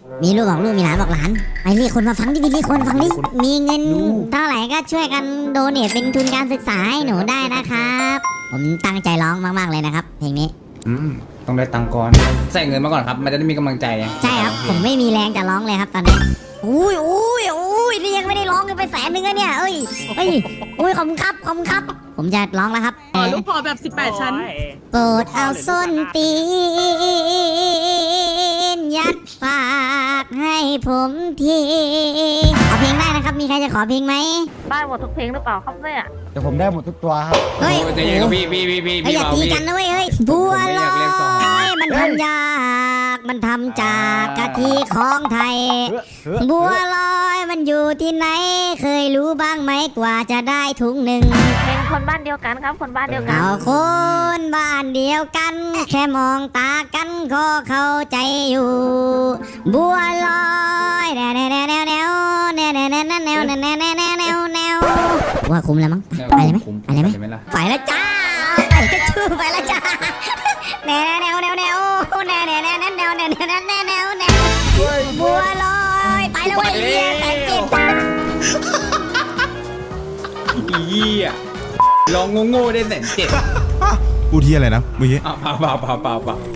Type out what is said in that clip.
มีลูกบอกลูกมีหลานบอกหลานไปเรียกคนมาฟังดิเรียกคนมาฟังดิมีเงินเท่าไหร่ก็ช่วยกันโดเนทเป็นทุนการศึกษาให้หนูได้นะครับผมตั้งใจร้องมากๆเลยนะครับเพลงนี้ต้องได้ตังค์ก่อนใส่เงินมาก่อนครับมันจะได้มีกำลังใจใช่ครับผมไม่มีแรงจะร้องเลยครับตอนนี้อุ้ยนี่ยังไม่ได้ร้องกันไป100,000อะเนี่ยอุ้ยขอบคุณครับผมจะร้องแล้วครับลูกพอแบบ18 ชั้นโปรดเอาส้นตีนยัดปากให้ผมทีขอเพลงได้นะครับมีใครจะขอเพลงไหมได้หมดทุกเพลงหรือเปล่าครับเนี่ยเดี๋ยวผมได้หมดทุกตัวครับเฮ้ยใจเย็นกับพี่อย่าตีกันนะเว้ยบัวลอยมันทำยากมันทำจากกะทิของไทย บัวลอยมันอยู่ที่ไหนเคยรู้บ้างไหมกว่าจะได้ถุงหนึ่งเพลงคนบ้านเดียวกันครับคนบ้านเดียวกันเอาคนบ้านเดียวกันแค่มองตากันก็เข้าใจอยู่บัวลอยแนวว่าคุ้มแล้วมั้งไปเลยไหมไปแล้วจ้าไปก็ชื่อไปแล้วจ้าแนวบัวลอยไปแล้วเว้ยแต่เจ็บอีอ่ะลองโง่ๆได้170,000 พูดที่อะไรนะเมื่อกี้เปล่า